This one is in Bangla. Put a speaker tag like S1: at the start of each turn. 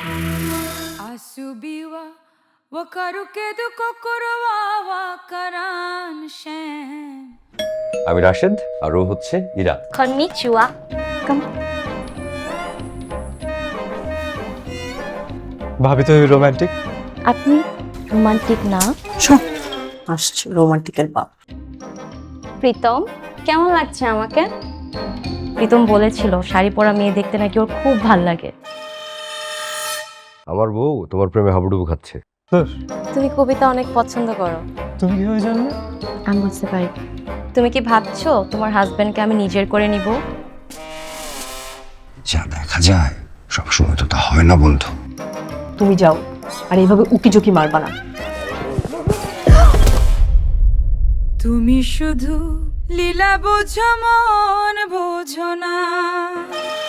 S1: Asubiwa wakarukedu kokoro wa karan shen.
S2: আমি রাশেদ আর ও হচ্ছে ইরা।
S3: কননিচিওয়া।
S4: ভাবি তো রোমান্টিক।
S3: আপনি রোমান্টিক না?
S5: আসছে রোমান্টিকের বাপ।
S3: প্রীতম, কেমন লাগছে আমাকে? প্রীতম বলেছিল শাড়ি পরা মেয়ে দেখতে নাকি ওর খুব ভাল লাগে।
S2: আমার বউ তোমার প্রেমে হাবুডুবু খাচ্ছে।
S3: তুমি কবিতা অনেক পছন্দ করো।
S4: তুমি কিভাবে জানলে?
S3: আমি বুঝতে পারি। তুমি কি ভাবছো তোমার হাজবেন্ডকে আমি নিজের করে নিব?
S6: যা দেখা যায় সবসময় তো তা হয় না বন্ধু।
S5: তুমি যাও, আর এইভাবে উকিঝুঁকি মারবা না।
S1: তুমি শুধু লীলা বোঝো মন বোঝো না।